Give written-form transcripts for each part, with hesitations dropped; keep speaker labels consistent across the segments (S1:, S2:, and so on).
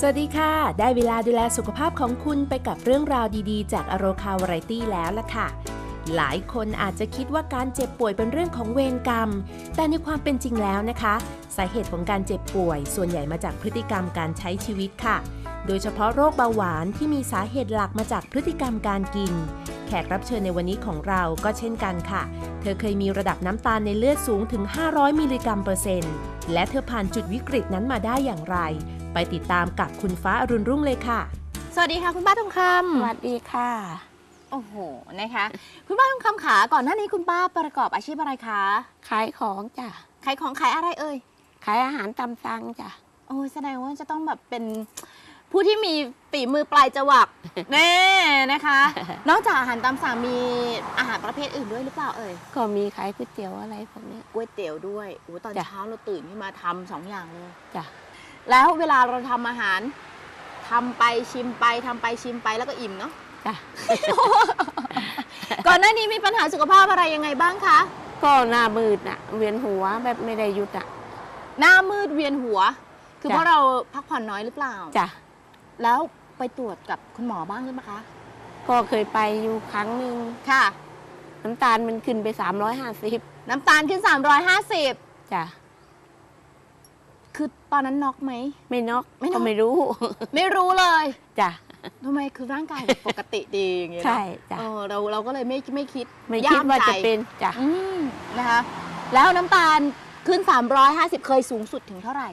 S1: สวัสดีค่ะได้เวลาดูแลสุขภาพของคุณไปกับเรื่องราวดีๆจากอโรคาวาไรตี้แล้วล่ะค่ะหลายคนอาจจะคิดว่าการเจ็บป่วยเป็นเรื่องของเวรกรรมแต่ในความเป็นจริงแล้วนะคะสาเหตุของการเจ็บป่วยส่วนใหญ่มาจากพฤติกรรมการใช้ชีวิตค่ะโดยเฉพาะโรคเบาหวานที่มีสาเหตุหลักมาจากพฤติกรรมการกินแขกรับเชิญในวันนี้ของเราก็เช่นกันค่ะเธอเคยมีระดับน้ำตาลในเลือดสูงถึง500มิลลิกรัมเปอร์เซ็นต์และเธอผ่านจุดวิกฤตนั้นมาได้อย่างไรไปติดตามกับคุณฟ้าอรุณรุ่งเลยค่ะ
S2: สวัสดีค่ะคุณป้าทองคำ
S3: สวัสดีค่ะ
S2: โอ้โหนะคะคุณป้าทองคำขาก่อนหน้านี้คุณป้าประกอบอาชีพอะไรคะ
S3: ขายของจ้ะ
S2: ขายของขายอะไรเอ่ย
S3: ขายอาหารตามสั่งจ้ะ
S2: โอ้แสดงว่าจะต้องแบบเป็นผู้ที่มีฝีมือปลายจวักแน่นะคะ นอกจากอาหารตามสั่งมีอาหารประเภทอื่นด้วยหรือเปล่าเอ่ย
S3: ก็มีขายก๋วยเตี๋ยวอะไรพวกนี้
S2: ก๋วยเตี๋ยวด้วยโอ้ตอนเช้าเราตื่นขึ้นมาทำ2 อย่างเลย
S3: จ้ะ
S2: แล้วเวลาเราทำอาหารทำไปชิมไปทำไปชิมไปแล้วก็อิ่มเนาะ
S3: จ้ะ
S2: ก่อนหน้านี้มีปัญหาสุขภาพอะไรยังไงบ้างคะ
S3: ก็หน้ามืดน่ะเวียนหัวแบบไม่ได้หยุดอ่ะ
S2: หน้ามืดเวียนหัวคือเพราะเราพักผ่อนน้อยหรือเปล่า
S3: จ้ะ
S2: แล้วไปตรวจกับคุณหมอบ้างหรือเปล่าคะ
S3: ก็เคยไปอยู่ครั้งหนึ่ง
S2: ค่ะ
S3: น้ำตาลมันขึ้นไป350
S2: น้ำตาลขึ้น350
S3: จ้ะ
S2: คือตอนนั้นน็อกไหม
S3: ไม่น็อกก็ไม่รู้
S2: ไม่รู้เลย
S3: จ้ะ
S2: ทำไมคือร่างกายปกติดีอย่างเงี้ย
S3: ใช่จ้ะ
S2: เราก็เลยไม่คิด
S3: ว่าจะเป็นจ้ะ
S2: นะคะแล้วน้ำตาลขึ้น350เคยสูงสุดถึงเท่าไหร่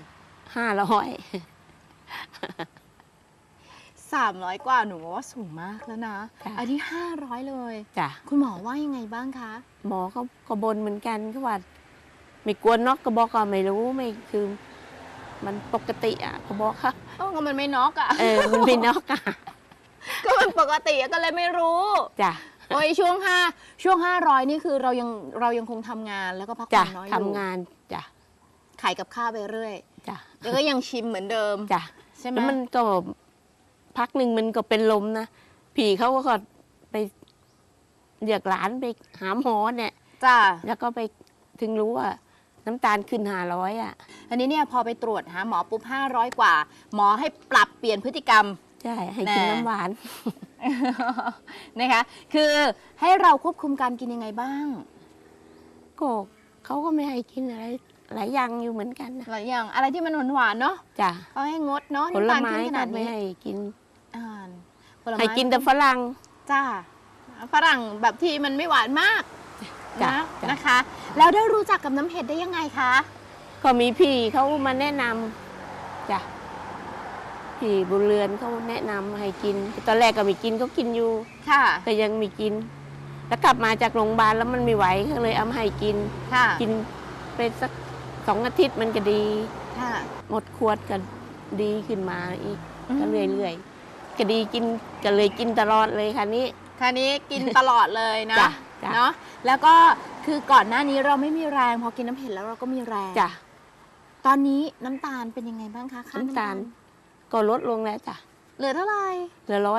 S2: 300กว่าหนูว่าสูงมากแล้วนะอันนี้500เลย
S3: จ้ะ
S2: คุณหมอว่ายังไงบ้างคะ
S3: หมอเขาก็บ่นเหมือนกันเขาว่าไม่กลัวน็อกก็บอกก็ไม่รู้ไม่คือมันปกติอ่ะเขาบอกค่ะ
S2: ก็มันไม่น็อกอ่ะ
S3: มันไม่น็อกอ่ะ
S2: ก็มันปกติก็เลยไม่รู้
S3: จ้ะ
S2: โอ้ยช่วง500นี่คือเรายังคงทำงานแล้วก็พักผ่อนน้อยอยู่
S3: ทำงานจ้ะ
S2: ขายกับข้าวไปเรื่อย
S3: จ้ะ
S2: แล้วก็ยังชิมเหมือนเดิม
S3: จ้ะ
S2: ใช่ไหม
S3: มันก็พักหนึ่งมันก็เป็นลมนะผีเขาก็ไปเรียกหลานไปหาหมอเนี่ย
S2: จ้ะ
S3: แล้วก็ไปถึงรู้ว่าน้ำตาลขึ้น500อ่ะ
S2: อันนี้เนี่ยพอไปตรวจหาหมอปุ๊บ500กว่าหมอให้ปรับเปลี่ยนพฤติกรรม
S3: ใช่ให้กินน้ำหวาน
S2: นะคะคือให้เราควบคุมการกินยังไงบ้าง
S3: ก็เขาก็ไม่ให้กินอะไรหลายอย่างอยู่เหมือนกันนะ
S2: หลายอย่างอะไรที่มันหวานๆเนาะ
S3: จ้ะ
S2: เขาให้งดเนาะ
S3: ผลไม้ก็ไม่ให้กิน
S2: ให้
S3: กินแต่ฝรั่ง
S2: จ้าฝรั่งแบบที่มันไม่หวานมากนะคะแล้วได้รู้จักกับน้ำเห็ดได้ยังไงคะ
S3: ก็มีพี่เขามาแนะนำจ้ะพี่บุญเรือนเขาแนะนำให้กินตอนแรกก็ไม่กินเขากินอยู่
S2: ค่ะ
S3: ก็ยังไม่กินแล้วกลับมาจากโรงพยาบาลแล้วมันไม่ไหวก็เลยเอามาให้กินกินไปสัก2 อาทิตย์มันก็ดีหมดขวดก็ดีขึ้นมาอีกก็เรื่อยๆก็ดีกินก็เลยกินตลอดเลยค่ะนี้
S2: กินตลอดเลยนะเนาะแล้วก็คือก่อนหน้านี้เราไม่มีแรงพอกินน้ำเห็ดแล้วเราก็มีแรง
S3: จ้ะ
S2: ตอนนี้น้ำตาลเป็นยังไงบ้างคะ
S3: น้ำตาลก็ลดลงแล้วจ้ะ
S2: เหลือเท่าไหร่
S3: เหลือ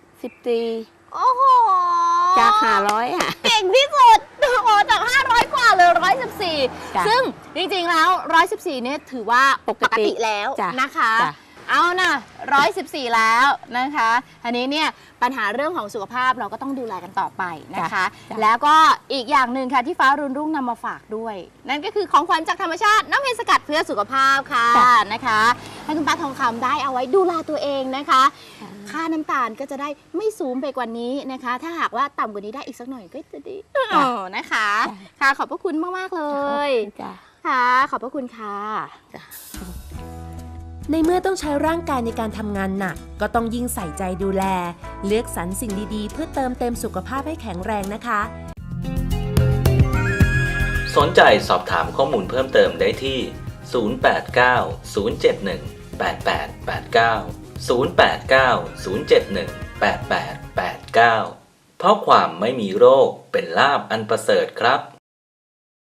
S3: 114
S2: โอ้โห
S3: จาก500อ่ะ
S2: เก่งที่สุดโอ้จาก500กว่าเหลือ114ซึ่งจริงๆแล้ว114เนี่ยถือว่าปกติแล้วนะคะเอานะ114แล้วนะคะอันนี้เนี่ยปัญหาเรื่องของสุขภาพเราก็ต้องดูแลกันต่อไปนะคะแล้วก็อีกอย่างหนึ่งค่ะที่ฟ้ารุ่นรุ่งนำมาฝากด้วยนั่นก็คือของขวัญจากธรรมชาติน้ำเห็ดสกัดเพื่อสุขภาพค่ะนะคะให้คุณป้าทองคำได้เอาไว้ดูแลตัวเองนะคะค่าน้ำตาลก็จะได้ไม่สูงไปกว่านี้นะคะถ้าหากว่าต่ำกว่านี้ได้อีกสักหน่อยก็จะดีนะคะค่ะขอบพระคุณมากๆเลยค่ะขอบพระคุณค่ะ
S1: ในเมื่อต้องใช้ร่างกายในการทำงานหนักก็ต้องยิ่งใส่ใจดูแลเลือกสรรสิ่งดีๆเพื่อเติมเต็มสุขภาพให้แข็งแรงนะคะ
S4: สนใจสอบถามข้อมูลเพิ่มเติมได้ที่ 089-071-8889 089-071-8889 เพราะความไม่มีโรคเป็นลาภอันประเสริฐครับ